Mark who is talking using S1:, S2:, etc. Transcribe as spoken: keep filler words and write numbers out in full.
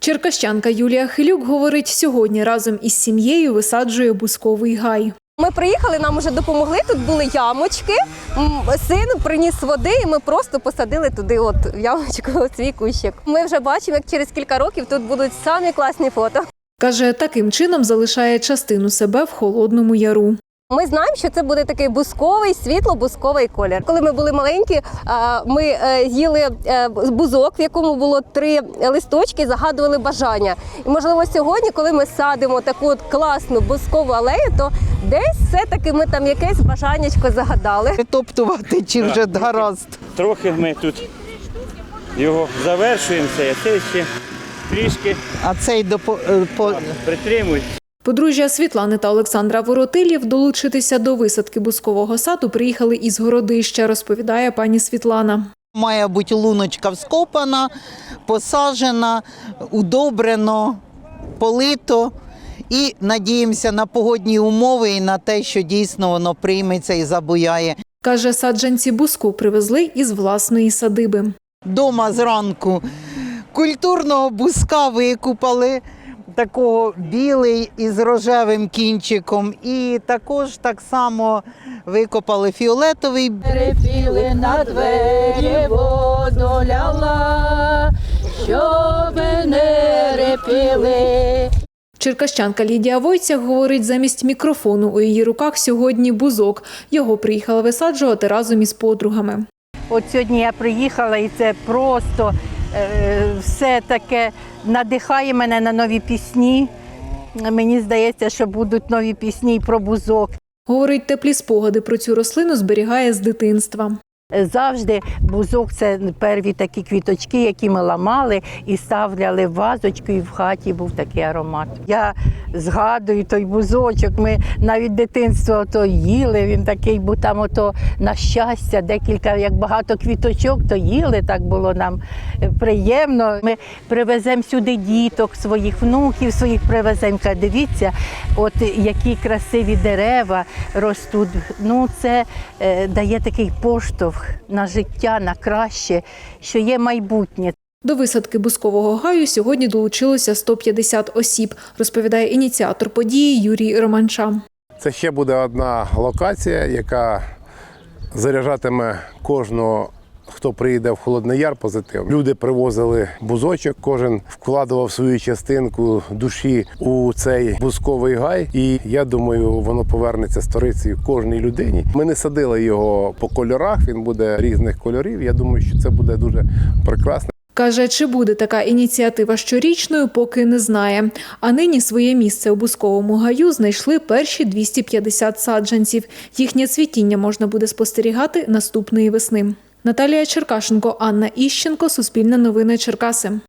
S1: Черкащанка Юлія Хилюк говорить, сьогодні разом із сім'єю висаджує бузковий гай.
S2: Ми приїхали, нам вже допомогли, тут були ямочки, син приніс води і ми просто посадили туди от в ямочку свій кущик. Ми вже бачимо, як через кілька років тут будуть самі класні фото.
S1: Каже, таким чином залишає частину себе в Холодному Яру.
S2: Ми знаємо, що це буде такий бузковий, світло-бузковий колір. Коли ми були маленькі, ми їли бузок, в якому було три листочки, загадували бажання. І, можливо, сьогодні, коли ми садимо таку от класну бузкову алею, то десь все-таки ми там якесь бажаннячко загадали.
S3: Притоптувати чи вже гаразд?
S4: Трохи ми тут його завершуємо, це, це ще трішки
S3: А цей допо... по...
S4: притримують.
S1: Подружжя Світлани та Олександра Воротилів долучитися до висадки бузкового саду приїхали із Городища, розповідає пані Світлана.
S3: Має бути луночка вскопана, посаджена, удобрено, полито. І надіємося на погодні умови і на те, що дійсно воно прийметься і забуяє.
S1: Каже, саджанці бузку привезли із власної садиби.
S3: Дома зранку культурного бузка викупали, такого білий із рожевим кінчиком. І також так само викопали фіолетовий.
S5: Репіли на двері воду ляла, щоб не репіли.
S1: Черкащанка Лідія Войцях говорить, замість мікрофону у її руках сьогодні бузок. Його приїхала висаджувати разом із подругами.
S5: От сьогодні я приїхала, і це просто е, все таке надихає мене на нові пісні. Мені здається, що будуть нові пісні і про бузок.
S1: Говорить, теплі спогади про цю рослину зберігає з дитинства.
S5: Завжди бузок – це перві такі квіточки, які ми ламали і ставляли в вазочку, і в хаті був такий аромат. Я згадую той бузочок, ми навіть дитинство то їли, він такий, бо там ото на щастя декілька, як багато квіточок, то їли, так було нам приємно. Ми привеземо сюди діток, своїх внуків, своїх привеземо. Дивіться, от які красиві дерева ростуть. Ну, це е, дає такий поштовх на життя, на краще, що є майбутнє.
S1: До висадки бузкового гаю сьогодні долучилося сто п'ятдесят осіб, розповідає ініціатор події Юрій Романча.
S6: Це ще буде одна локація, яка заряджатиме кожного, хто приїде в Холодний Яр, позитивно. Люди привозили бузочок, кожен вкладував свою частинку душі у цей бузковий гай. І я думаю, воно повернеться сторицею кожній людині. Ми не садили його по кольорах, він буде різних кольорів. Я думаю, що це буде дуже прекрасно.
S1: Каже, чи буде така ініціатива щорічною, поки не знає. А нині своє місце у бузковому гаю знайшли перші двісті п'ятдесят саджанців. Їхнє цвітіння можна буде спостерігати наступної весни. Наталія Черкашенко, Анна Іщенко, Суспільне новини Черкаси.